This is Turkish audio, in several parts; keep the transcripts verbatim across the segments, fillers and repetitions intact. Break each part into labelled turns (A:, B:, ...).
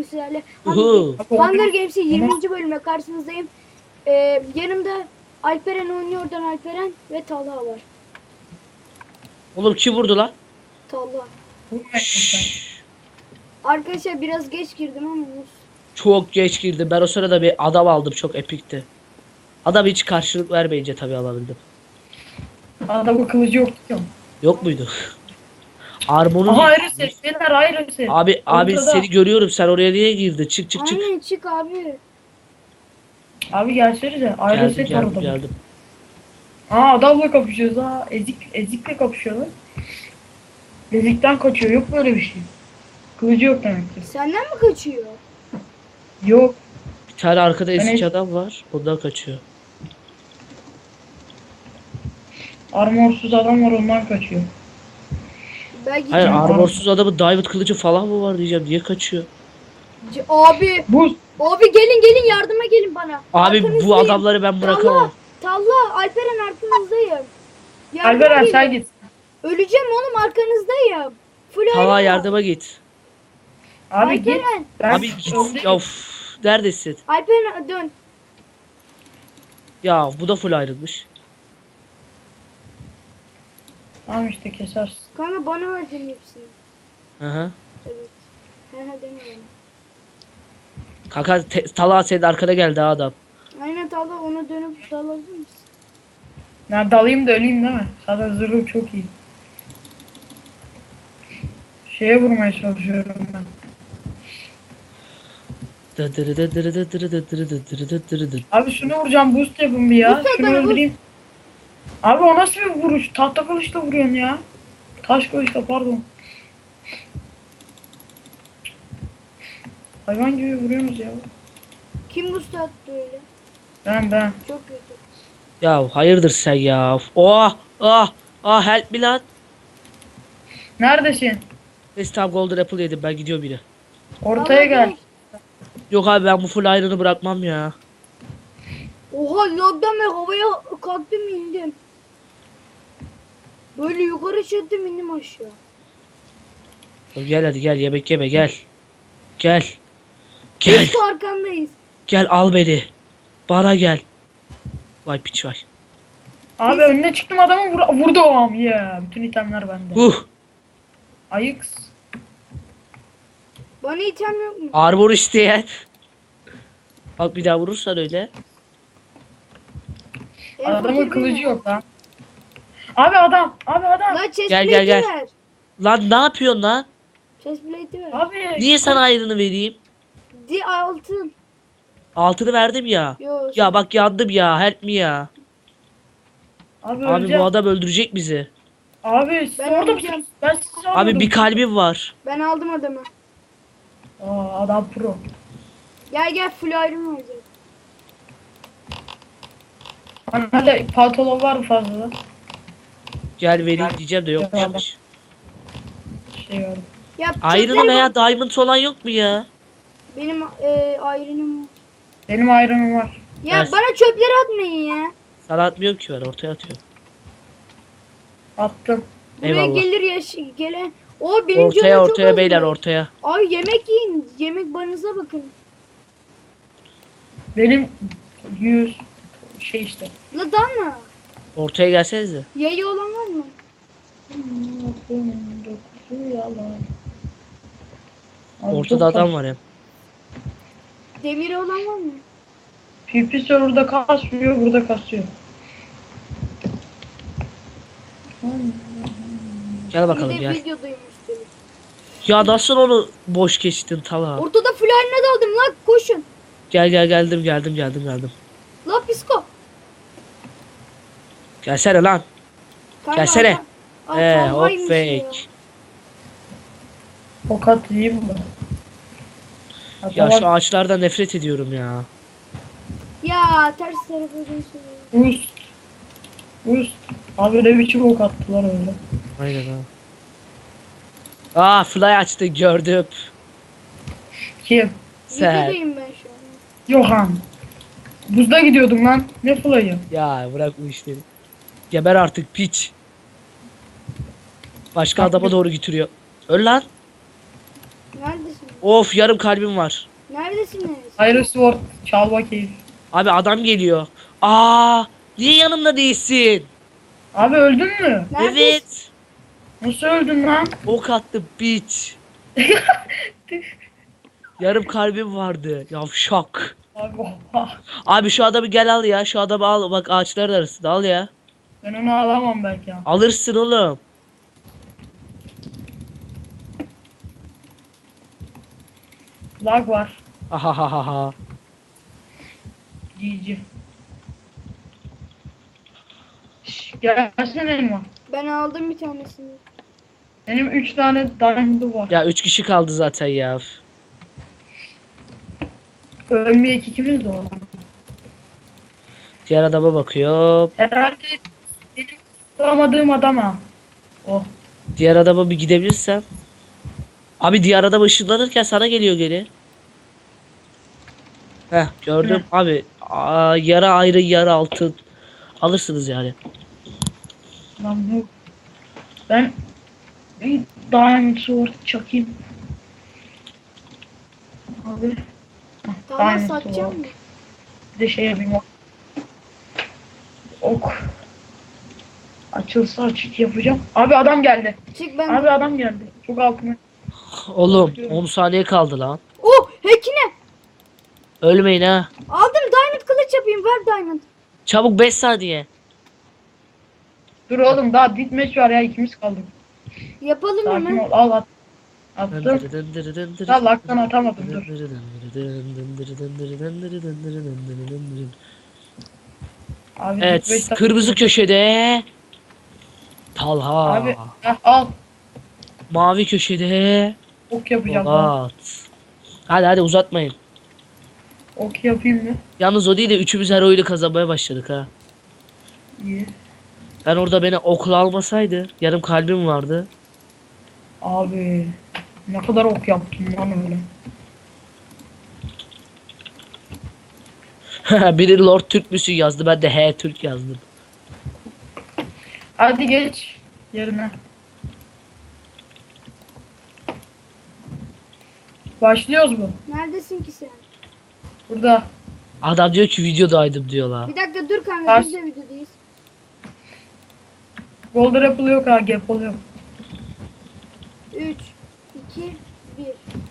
A: bugün sizlerle
B: Uhu.
A: Hunger Games'in yirminci bölümle karşınızdayım. Ee, yanımda Alperen oynuyor, oradan Alperen ve Talha var.
B: Oğlum kim vurdu lan?
A: Talha.
B: Şşş.
A: Arkadaşlar biraz geç girdim ama olsun.
B: Çok geç girdim. Ben o sırada bir adam aldım. Çok epikti. Adam hiç karşılık vermeyince tabii alabildim.
C: Adamın kılıcı yok diyorum.
B: Yok muydu? Armon'un
C: Aha ayrı ses. Beyler ayrı ses.
B: Abi abi
C: Ortada.
B: seni görüyorum. Sen oraya niye girdin? Çık çık çık.
A: Aynen çık abi.
C: Abi gelsenize. Ayrı
B: Geldim
C: set var
B: geldim
C: adamın.
B: geldim.
C: Aa adamla kapışıyoruz ha. Ezik, ezikle kapışıyorlar. Ezikten kaçıyor. Yok böyle bir şey. Kılıcı yok demek ki.
A: Senden mi kaçıyor?
C: Yok.
B: Bir tane arkada eski
C: eski-
B: adam var. Ondan kaçıyor.
C: Armorsuz adam var ondan kaçıyor.
A: Belki
B: Hayır
A: can-
B: armorsuz adamın diamond kılıcı falan mı var diyeceğim. Niye kaçıyor?
A: C- abi.
C: Bu
A: Abi gelin gelin yardıma gelin bana.
B: Abi bu
A: Arkanızdayım.
B: adamları ben bırakamam.
A: Talha, Talha, Alperen arkanızdayım. Yardıma
C: Alperen
A: gelin.
C: sen git.
A: Öleceğim oğlum, arkanızdayım. Full
B: Talha
A: iron.
B: yardıma git.
C: Abi git.
A: Alperen.
C: Ben
B: Abi git.
C: öndeyim.
B: Ya uf, neredesin?
A: Alperen dön.
B: Ya bu da full ayrılmış.
C: Tamam işte kesersin.
A: Kanka bana verdin hepsini.
B: Hı hı.
A: Evet. He he deme bana.
B: Kanka te- Talha senin arkada geldi ha adam.
A: Aynen Talha, ona dönüp dalabilir misin?
C: Ben dalayım da öleyim değil mi? Zaten zırhım çok iyi. Şeye vurmaya çalışıyorum ben. Abi şunu vuracağım, boost yapın bir ya.
A: Boost at
C: Şunu
A: bana, boost.
C: öldüreyim. Abi o nasıl bir vuruş? Tahta kılıçla vuruyorsun ya. Taş kılıçla pardon. Hayvan gibi vuruyorsunuz ya.
A: Kim boost attı öyle?
C: Ben ben.
A: Çok kötü.
B: Ya hayırdır sen ya. Oh ah ah help me lan.
C: Neredesin?
B: Neyse tamam golden apple yedim ben gidiyorum yine.
C: Ortaya
A: Talha
C: gel.
B: Yok abi ben bu full iron'ı bırakmam ya.
A: Oha lagdan ben havaya kalktım indim. Böyle yukarı çıktım indim aşağı.
B: Gel hadi gel yemek yeme gel. Gel. Gel.
A: Biz de arkandayız.
B: Gel al beni. Bana gel. Vay piç vay.
C: Abi önüne çıktım adamı vur vurdu o am ya. Bütün itemler bende.
B: Uh.
C: Ayıks.
A: Bana item yok mu?
B: Armor isteyen. Bak bir daha vurursan öyle.
A: En
C: Adamın
A: fakir
C: kılıcı
A: benim.
C: yok lan. Abi adam. Abi adam.
A: Lan chest
B: Gel, gel, gel.
A: ver.
B: Lan ne yapıyorsun lan?
A: Chest plate'i ver.
C: Abi.
B: Niye sana iron'ı vereyim?
A: Di altın.
B: Altını verdim ya.
A: Yo.
B: Ya bak yandım ya. Help me ya.
C: Abi,
B: Abi
C: öleceğim.
B: bu adam öldürecek bizi.
C: Abi siz
A: Ben
C: orada
A: öleceğim.
C: mısınız? Ben sizi
B: Abi
C: almadım.
B: bir kalbim var.
A: Ben aldım adamı.
C: Aa, adam pro.
A: Gel gel full iron olacak.
C: Hadi pantolon var mı fazla?
B: Gel vereyim diyeceğim de
C: Gel
B: yokmuş.
C: Şey var.
A: Ya
B: Iron'ı
A: çöpleri
B: veya
A: bak.
B: diamond olan yok mu ya?
A: Benim e, iron'ım var.
C: Benim ayranım var.
A: Ya
B: Ver.
A: bana çöpleri atmayın ya.
B: Sana atmıyorum ki ben ortaya atıyorum.
C: Attım.
A: Buraya
B: Eyvallah.
A: gelir yaş gelen. O benim
B: Ortaya
A: canım çok
B: ortaya
A: azdı.
B: beyler ortaya.
A: Ay yemek yiyin. Yemek barınıza bakın.
C: Benim yüz şey işte.
A: La dalma.
B: Ortaya gelsenize.
A: Yayı olan var mı?
C: Abi
B: Ortada
C: çok
B: adam
C: kas-
B: var hem.
A: Demiri olan var mı?
C: P P server'da kasmıyor, burada kasıyor.
B: Gel bakalım
A: Bir de
B: gel.
A: videodayım üstelik.
B: Ya nasıl onu boş geçtin Talha?
A: Ortada full iron'a daldım la, koşun.
B: Gel gel geldim geldim geldim geldim.
A: La psiko.
B: Gelsene lan.
A: Kanka,
B: Gelsene.
A: adam- Aa,
B: Eee hop
A: Talha'ymış
B: fake.
C: Tokat yiyeyim mi?
B: Ya
C: Hatta
B: şu ağaçlardan nefret ediyorum ya.
A: Ya ters tarafa dönsün.
C: Boost. Boost. Abi ne biçim ok attılar öyle.
B: Aynen ha. Aa fly açtı gördüm.
C: Kim?
B: Sen.
A: Videodayım ben şu an.
C: Yohan. Buzda gidiyordum lan. Ne fly'ı?
B: Ya bırak bu işleri. Geber artık piç. Başka
C: Bak
B: adama
C: bir-
B: doğru götürüyor. Öl lan.
A: Neredesin?
B: Of yarım kalbim var.
A: Neredesiniz?
C: Iron Sword çal bakayım.
B: Abi adam geliyor. Aa, niye yanımda değilsin?
C: Abi öldün mü?
A: Neredesin?
B: Evet.
C: Nasıl öldün lan?
B: Ok attı biç. Yarım kalbim vardı. Yavşak.
C: Abi oha.
B: Abi şu adamı gel al ya. Şu adamı al. Bak ağaçların arasında al ya.
C: Ben onu alamam belki ya.
B: Alırsın oğlum.
C: Lag var.
B: Ahahaha.
C: G G. Şş, gelsene elma.
A: Ben aldım bir tanesini.
C: Benim üç tane diamond'ım var.
B: Ya üç kişi kaldı zaten ya.
C: Ölmeyek ikimiz de o.
B: Diğer adama bakıyor.
C: Herhalde benim tutamadığım adam ha. Oh.
B: Diğer adama bir gidebilirsem. Abi diğer adam ışınlanırken sana geliyor geri. Heh gördüm abi. Aa, yarı ayrı yarı altın. Alırsınız yani.
C: Lan bu. Ben bir diamond sword çakayım. Abi. Hah,
A: Tamam
C: diamond
A: satacağım
C: sword.
A: mı?
C: Bir de şey yapayım. ok. Ok. Açılsa açık yapacağım. Abi adam geldi.
A: Çık ben.
C: Abi adam geldi. Çok altına.
B: Oğlum on saniye kaldı lan.
A: Oh hekine.
B: Ölmeyin ha.
A: Aldım diamond kılıç yapayım. Ver diamond.
B: Çabuk beş saniye.
C: Dur oğlum daha ditmeç var ya ikimiz kaldık.
A: Yapalım
C: Sakin
A: hemen.
C: ol al at. Attım. Ya laktan atamadım dur. Abi
B: Evet
C: ditmeç-
B: kırmızı köşede Talha.
C: Abi heh, al.
B: Mavi köşede
C: Ok yapacağım. Al.
B: Polat. Hadi hadi uzatmayın.
C: Ok yapayım mı?
B: Yalnız o değil de üçümüz her oyunu kazanmaya başladık ha.
C: İyi.
B: Ben orada beni okla almasaydı yarım kalbim vardı.
C: Abi ne kadar ok yaptım lan öyle.
B: Biri Lord Türk müsün yazdı, ben de he Türk yazdım.
C: Hadi geç yerine. Başlıyoruz mu?
A: Neredesin ki sen?
C: Burada.
B: Adam diyor ki videodaydım diyorlar.
A: Bir dakika dur kanka
C: Ters.
A: biz de videodayız.
C: Golden Apple yok ha, Gapple yok.
A: üç, iki, bir.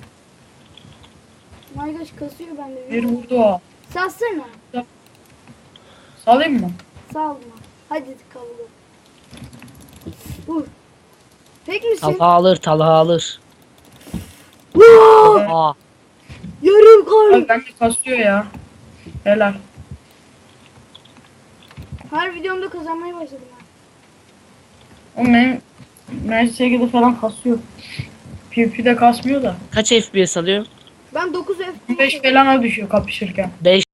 A: Maydaş kasıyor bende.
C: Bir vurdu o.
A: Salsana.
C: Salayım mı?
A: Salma. Hadi kavga. Vur. Tek misin?
B: Talha alır, Talha alır.
A: Vaa!
B: Aa,
A: Yarım kar.
C: Abi bende kasıyor ya. Helal.
A: Her videomda kazanmaya başladım ben.
C: O benim M S G'de falan kasıyor. P V P'de kasmıyor da.
B: kaç F P S alıyor?
A: Ben dokuz F P S
C: beş falana düşüyor kapışırken.
B: beş